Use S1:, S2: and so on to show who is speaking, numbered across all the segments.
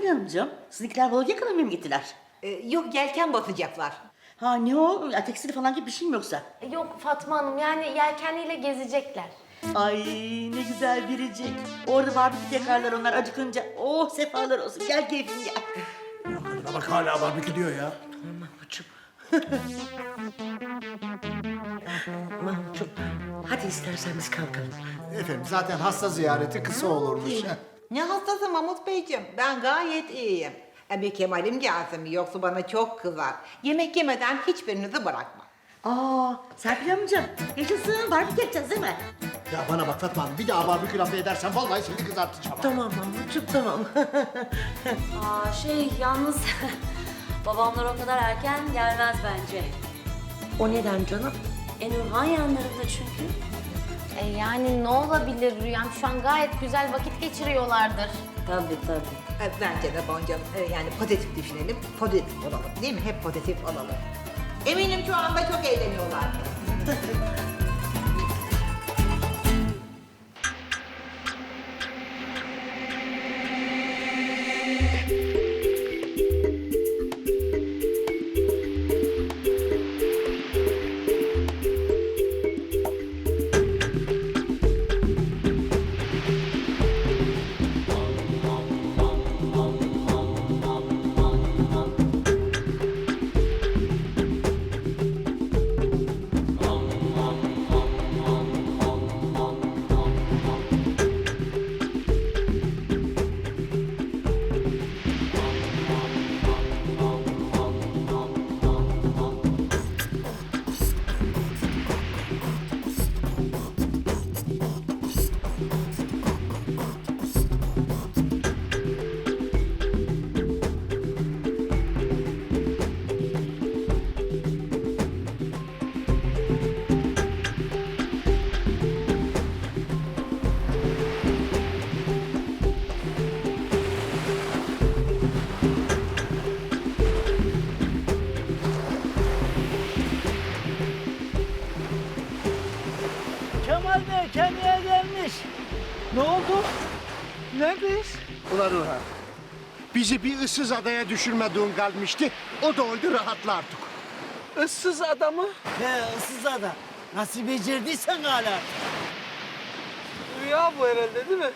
S1: Serpil Hanımcığım, sizinkiler balık yakalamaya mı gittiler?
S2: Yok, yelken batacaklar.
S1: Ha ne o? Ya, tekstil falan gibi bir şey mi yoksa?
S3: Yok Fatma Hanım, yani yelkenliyle gezecekler.
S1: Ay ne güzel biricik. Orada barbekü yakarlar onlar acıkınca. Oh sefalar olsun. Gel keyfim gel.
S4: Ya kadına bak hala barbekü diyor ya.
S5: Mahmutcuğum. Mahmutcuğum, hadi istersen biz kalkalım.
S6: Efendim zaten hasta ziyareti kısa olurmuş.
S2: Ne hastası Mahmut Beyciğim? Ben gayet iyiyim. Bir Kemal'im gelsin mi yoksa bana çok kızar. Yemek yemeden hiçbirinizi bırakmam.
S1: Aa Serpil Hanımcığım, yaşasın barbekü yapacağız değil mi?
S6: Ya bana bak Fatma Hanım, bir daha barbekü lafı edersen vallahi seni kızartacağım.
S5: Tamam Mahmutcuğum, tamam.
S7: Yalnız babamlar o kadar erken gelmez bence.
S5: O neden canım?
S7: Nurhan yanlarında çünkü.
S3: Yani ne olabilir Rüyam? Şu an gayet güzel vakit geçiriyorlardır.
S7: Tabii.
S2: Bence de Boncam, yani pozitif düşünelim, pozitif olalım değil mi? Hep pozitif olalım. Eminim şu anda çok eğleniyorlar.
S4: Kemal Bey kendine gelmiş. Ne oldu? Neredeyiz?
S6: Ulan Orhan, bizi bir ıssız adaya düşürmediğin kalmıştı. O da oldu, rahatla artık.
S4: Issız adamı. He, ıssız adam. Nasıl becerdiysen hala. Rüya bu herhalde değil mi?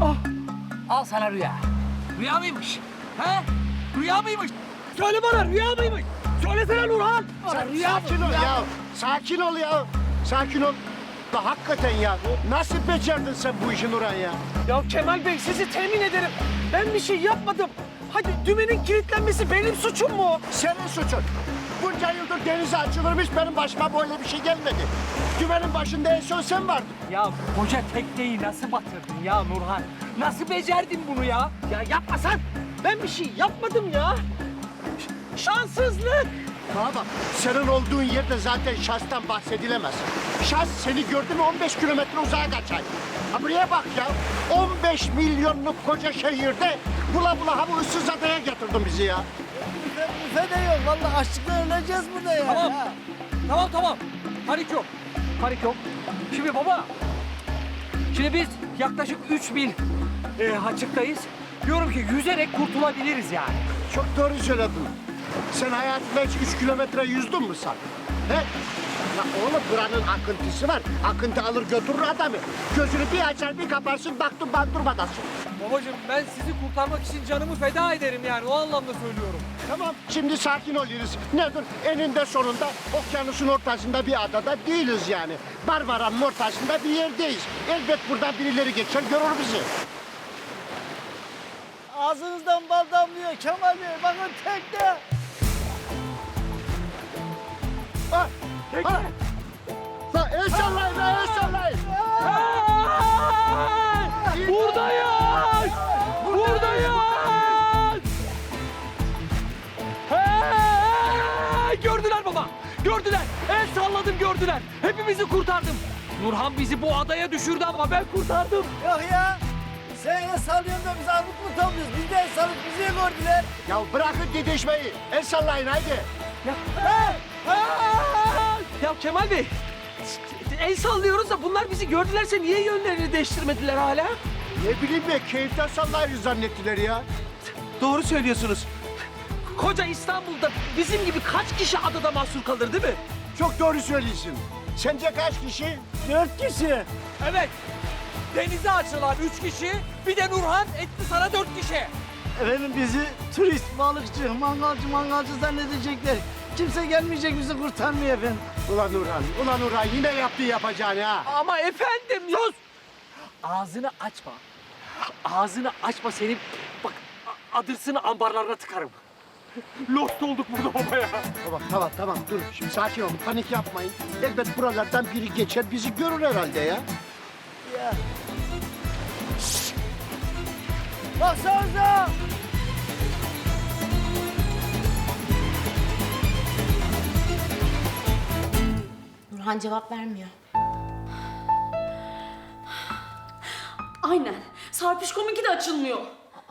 S8: Al sana rüya. Rüya mıymış? He? Rüya mıymış? Söyle bana rüya mıymış? Söylesene Nurhan. Rüya
S6: Sakin ol ya, sakin ol ya. Sakin ol. Da hakikaten ya, nasıl becerdin sen bu işi Nurhan ya?
S4: Ya Kemal Bey sizi temin ederim. Ben bir şey yapmadım. Hadi dümenin kilitlenmesi benim suçum mu?
S6: Senin suçun. Bunca yıldır denize açılırmış, benim başıma böyle bir şey gelmedi. Dümenin başında en son sen vardın.
S8: Ya koca tekneyi nasıl batırdın ya Nurhan? Nasıl becerdin bunu ya?
S4: Ya yapmasan. Ben bir şey yapmadım ya. Şanssızlık.
S6: Bana bak, senin olduğun yerde zaten şahstan bahsedilemez. Şahs seni gördü mü 15 kilometre uzağa kaçar. Ha buraya bak ya, 15 milyonluk koca şehirde bula bula ha bu ıssız adaya getirdin bizi ya.
S4: Büfe de yok. Vallahi açlıktan öleceğiz burada ya.
S8: Tamam. Panik yok. Panik yok. Şimdi baba. Şimdi biz yaklaşık 3 mil açıktayız. Diyorum ki yüzerek kurtulabiliriz yani.
S6: Çok doğru söyledin. Sen hayatında hiç 3 kilometre yüzdün mü sen? He? Ya oğlum buranın akıntısı var. Akıntı alır götürür adamı. Gözünü bir açar bir kaparsın baktın bandurmadasın.
S8: Babacığım ben sizi kurtarmak için canımı feda ederim yani o anlamda söylüyorum.
S6: Tamam şimdi sakin oluyoruz. Nedir? Eninde sonunda okyanusun ortasında bir adada değiliz yani. Barbaran'ın ortasında bir yerdeyiz. Elbet buradan birileri geçer görür bizi.
S4: Ağzınızdan bal damlıyor Kemal Bey. Bakın tekne.
S6: Ha, ha. La el sallayın, la el sallayın.
S8: Buradayız! Buradayız! Hey! Gördüler baba! Gördüler! El salladım gördüler! Hepimizi kurtardım! Nurhan bizi bu adaya düşürdü ama ben kurtardım!
S4: Yok ya. Sen el sallıyorsun da biz armut mu topluyoruz? Biz de el sallıp bizi gördüler.
S6: Ya bırakın didişmeyi. El sallayın haydi.
S8: Ya, ya Kemal Bey! El sallıyoruz da bunlar bizi gördülerse niye yönlerini değiştirmediler hala?
S6: Ne bileyim be, keyiften sallayın zannettiler ya.
S4: Doğru söylüyorsunuz. Koca İstanbul'da bizim gibi kaç kişi adada mahsur kalır değil mi?
S6: Çok doğru söylüyorsun. Sence kaç kişi?
S4: 4 kişi. Evet. Denize açılan 3 kişi, bir de Nurhan etti sana 4 kişi.
S9: Efendim bizi turist, balıkçı, mangalcı zannedecekler. Kimse gelmeyecek bizi kurtarmaya efendim.
S6: Ulan Nurhan yine yaptığı yapacağını ha.
S4: Ama efendim sus. Ağzını açma. Ağzını açma senin. Bak adırsını ambarlarına tıkarım. Lost olduk burada baba ya.
S6: Tamam dur şimdi sakin olun panik yapmayın. Elbet buralardan biri geçer bizi görür herhalde ya.
S9: Baksanıza!
S3: Nurhan cevap vermiyor.
S7: Aynen. Sarpişkominki de açılmıyor.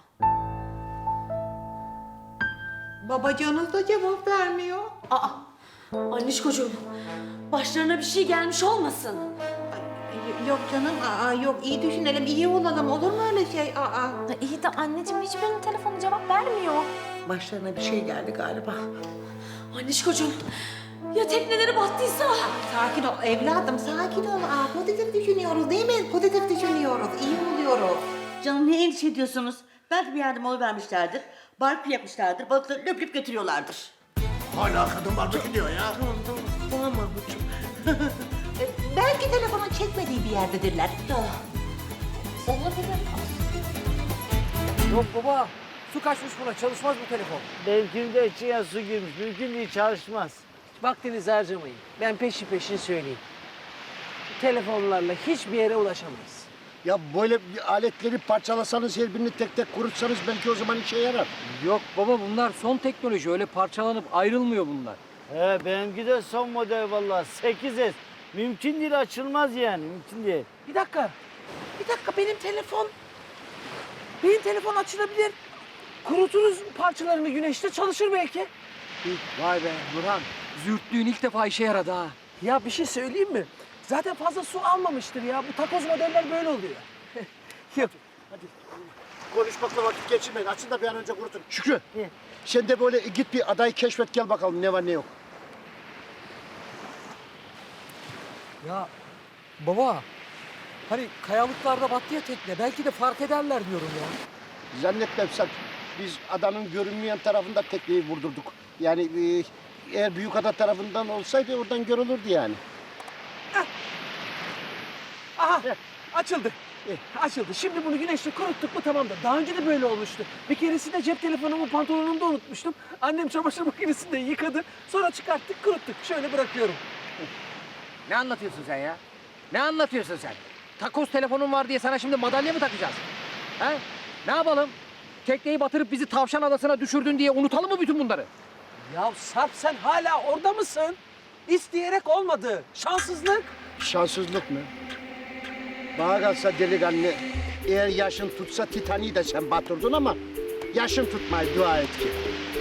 S2: Babacığınız da cevap vermiyor.
S7: Aa, Anişkocuğum. Başlarına bir şey gelmiş olmasın.
S2: Yok canım, yok iyi düşünelim, iyi olalım. Olur mu öyle şey?
S3: Ya iyi de anneciğim hiçbirinin telefonu cevap vermiyor.
S5: Başlarına bir şey geldi galiba.
S7: Anişkocuğum. Ya tekneleri battıysa?
S2: Sakin ol evladım, sakin ol. Pozitif düşünüyoruz değil mi? Pozitif düşünüyoruz, iyi oluyoruz.
S1: Canım ne endişe ediyorsunuz? Belki bir yardım oluvermişlerdir. Barbekü yapmışlardır. Balıkları löp götürüyorlardır.
S6: Hala kadın barbekü diyor ya.
S5: Tamam Mahmutcuğum.
S2: Belki telefonun çekmediği bir yerdedirler.
S3: Olabilir.
S8: Yok baba. Su kaçmış buna. Çalışmaz bu telefon.
S9: Benimkinin de içine su girmiş. Mümkün değil, çalışmaz.
S4: Vaktinizi harcamayın. Ben peşin söyleyeyim. Telefonlarla hiçbir yere ulaşamayız.
S6: Ya böyle aletleri parçalasanız her birini tek tek kurutsanız belki o zaman işe yarar.
S8: Yok baba bunlar son teknoloji. Öyle parçalanıp ayrılmıyor bunlar.
S9: He, benimki de son model vallahi 8S. Mümkün değil, açılmaz yani, mümkün değil.
S4: Bir dakika benim telefon açılabilir. Kuruturuz parçalarını güneşte çalışır belki.
S8: Vay be Nurhan. Zürtlüğün ilk defa işe yaradı ha.
S4: Ya bir şey söyleyeyim mi? Zaten fazla su almamıştır ya. Bu takoz modeller böyle oluyor. Yok.
S6: Konuşmakla vakit geçirmeyin. Açın da bir an önce kurutun. Şükrü. Sen de böyle git bir adayı keşfet gel bakalım ne var ne yok.
S8: Ya baba. Hani kayalıklarda battı ya tekne. Belki de fark ederler diyorum ya.
S6: Zannetmem sen. Biz adanın görünmeyen tarafında tekneyi vurdurduk. Yani eğer Büyükada tarafından olsaydı oradan görülürdü yani.
S4: Aha açıldı. Açıldı. Şimdi bunu güneşte kuruttuk mu tamamdır. Daha önce de böyle olmuştu. Bir keresinde cep telefonumu pantolonumda unutmuştum. Annem çamaşır makinesinde yıkadı. Sonra çıkarttık kuruttuk. Şöyle bırakıyorum.
S8: Ne anlatıyorsun sen ya? Ne anlatıyorsun sen? Takoz telefonun var diye sana şimdi madalya mı takacağız? He? Ne yapalım? Tekneyi batırıp bizi Tavşan Adası'na düşürdün diye unutalım mı bütün bunları?
S4: Ya Sarp sen hala orada mısın? İsteyerek olmadı. Şanssızlık.
S6: Şanssızlık mı? Bana kalsa delikanlı, eğer yaşın tutsa Titanic'i de sen batırdın ama yaşın tutmayı dua et ki.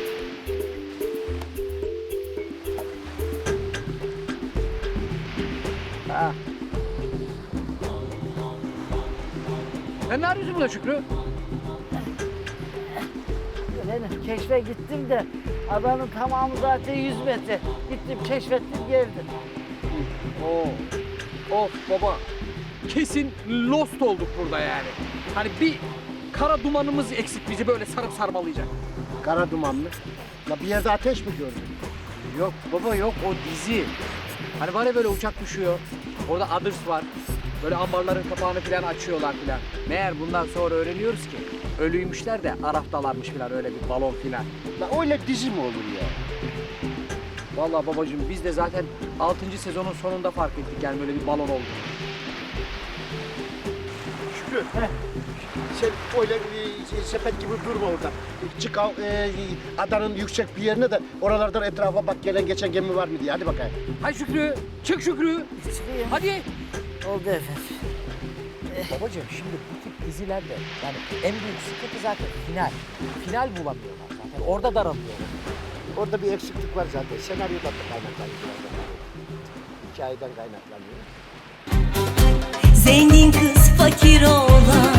S8: Ha. Sen ne arıyorsun burada Şükrü?
S9: Efendim keşfe gittim de adanın tamamı zaten 100 metre. Gittim keşfettim geldim.
S8: Of baba. Kesin lost olduk burada yani. Hani bir kara dumanımız eksik bizi böyle sarıp sarmalayacak.
S6: Kara duman mı? La bir yerde ateş mi gördün?
S8: Yok baba yok o dizi. Hani var ya böyle uçak düşüyor. Orada Others var. Böyle ambarların kapağını falan açıyorlar falan. Meğer bundan sonra öğreniyoruz ki ölüymüşler de Araf'talarmış falan öyle bir balon falan.
S6: La öyle dizi mi olur ya?
S8: Vallahi babacığım biz de zaten 6. sezonun sonunda fark ettik yani böyle bir balon oldu.
S6: Şükrü. Sen öyle sepet gibi durma orada. Çık adanın yüksek bir yerine de oralardan etrafa bak gelen geçen gemi var mı diye. Hadi bakayım.
S8: Hadi Şükrü, çık Şükrü. Hadi.
S9: Oldu efendim.
S8: Babacığım şimdi bu tip dizilerde yani en büyük sıkıntı zaten final. Final bulamıyorlar zaten. Orada daralıyorlar.
S6: Orada bir eksiklik var zaten. Senaryodan da kaynaklanıyor. Hikayeden kaynaklanıyor.
S10: Zengin kız fakir oğlan